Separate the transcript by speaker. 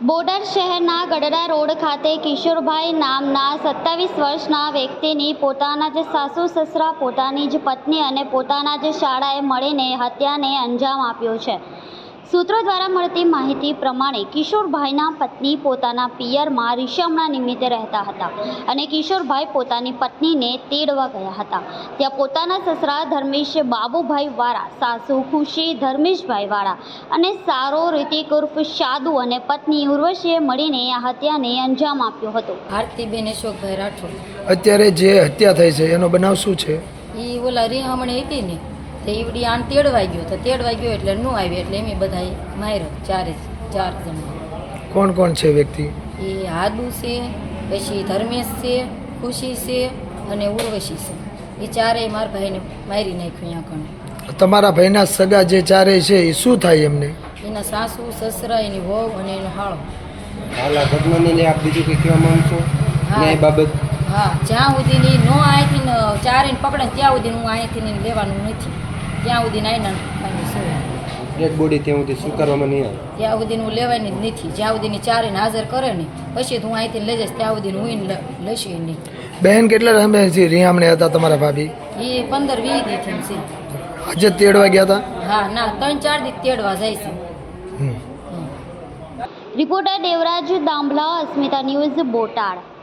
Speaker 1: બોટાદ શહેરના ગઢડા રોડ ખાતે કિશોરભાઈ નામના 27 વર્ષના વ્યક્તિની પોતાના જ સાસુ સસરા, પોતાની જ પત્ની અને પોતાના જ શાળાએ મળીને હત્યાને અંજામ આપ્યો છે। સૂત્રો દ્વારા મળતી માહિતી પ્રમાણે કિશોરભાઈના પત્ની પોતાના પિયરમાં રીશામણા નિમિત્તે રહેતા હતા અને કિશોરભાઈ પોતાની પત્નીને તેડવા ગયા હતા। ત્યાં પોતાના સસરા ધર્મેશ બાબુભાઈ વાળા, સાસુ ખુશી ધર્મેશભાઈ વાળા અને સારો રિતિક ઉર્ફ શાદુ અને પત્ની ઉર્વશીએ મળીને આ હત્યાને અંજામ આપ્યો હતો।
Speaker 2: આરતીબેન અશોકભાઈ રાઠોડ।
Speaker 3: અત્યારે જે હત્યા થઈ છે એનો બનાવ શું છે?
Speaker 2: એ ઓલા રીહામણી હતી ને તે ઈવડી આણ તેડવાઈ ગયો તો તેડવાઈ ગયો એટલે નું આવી એટલે એમ બધા માર્યો ચાર જણા।
Speaker 3: કોણ કોણ છે વ્યક્તિ?
Speaker 2: એ હાદુ છે, પછી ધર્મેશ છે, ખુશી છે અને ઉર્વશી છે। એ ચારેય મારા ભાઈને મારી નાખ્યું અહીંયા કણે।
Speaker 3: તમારા ભાઈના સગા જે ચારેય છે એ શું થાય એમને?
Speaker 2: એના સાસુ સસરા, એની વહુ અને એનો હાળો।
Speaker 4: હાલા ઘટનાને આપ બીજું કંઈ કહેવા માંગશો ન્યાય બાબત?
Speaker 2: હા, જ્યાં સુધીની નો અહીંથી ચારેને પકડે ત્યાં સુધી હું અહીંથી લેવાનું નથી, ત્યાં સુધી નાયના શું
Speaker 4: ડેડ બોડી ત્યાં સુધી સ્વીકારવામાં નહીં આવે
Speaker 2: ત્યાં સુધી હું લેવાની જ નથી। જ્યાં સુધીની ચારેને હાજર કરે ને પછી હું અહીંથી લઈ જઈશ, ત્યાં સુધી હું લઈશ નહીં।
Speaker 3: બહેન કેટલા સમયથી રિહામણે હતા તમારા ભાભી?
Speaker 2: એ 15-20 દીથી છે।
Speaker 3: આજે તેડવા ગયા હતા?
Speaker 2: હા, ના 3-4 દી તેડવા જાય છે।
Speaker 1: Reporter Devraj Dambhla, Asmita news, Botad.